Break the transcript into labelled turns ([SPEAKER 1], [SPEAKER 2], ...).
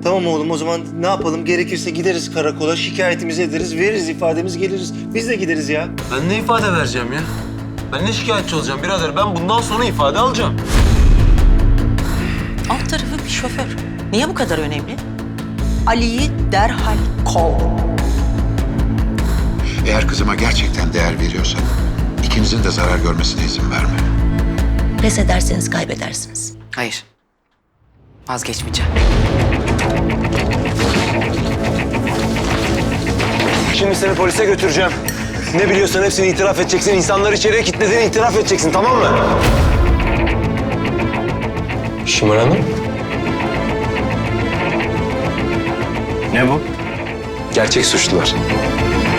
[SPEAKER 1] Tamam oğlum, o zaman ne yapalım? Gerekirse gideriz karakola, şikayetimizi ederiz, veririz ifademiz, geliriz. Biz de gideriz ya.
[SPEAKER 2] Ben ne ifade vereceğim ya? Ben ne şikayetçi olacağım birader? Ben bundan sonra ifade alacağım.
[SPEAKER 3] Alt tarafı bir şoför. Niye bu kadar önemli? Ali'yi derhal kov.
[SPEAKER 4] Eğer kızıma gerçekten değer veriyorsan ikinizin de zarar görmesine izin verme.
[SPEAKER 5] Pes ederseniz kaybedersiniz.
[SPEAKER 3] Hayır. Vazgeçmeyeceğim.
[SPEAKER 2] Şimdi seni polise götüreceğim. Ne biliyorsan hepsini itiraf edeceksin. İnsanları içeriye kilitlediğini itiraf edeceksin, tamam mı? Şimal Hanım.
[SPEAKER 6] Ne bu?
[SPEAKER 2] Gerçek suçlular.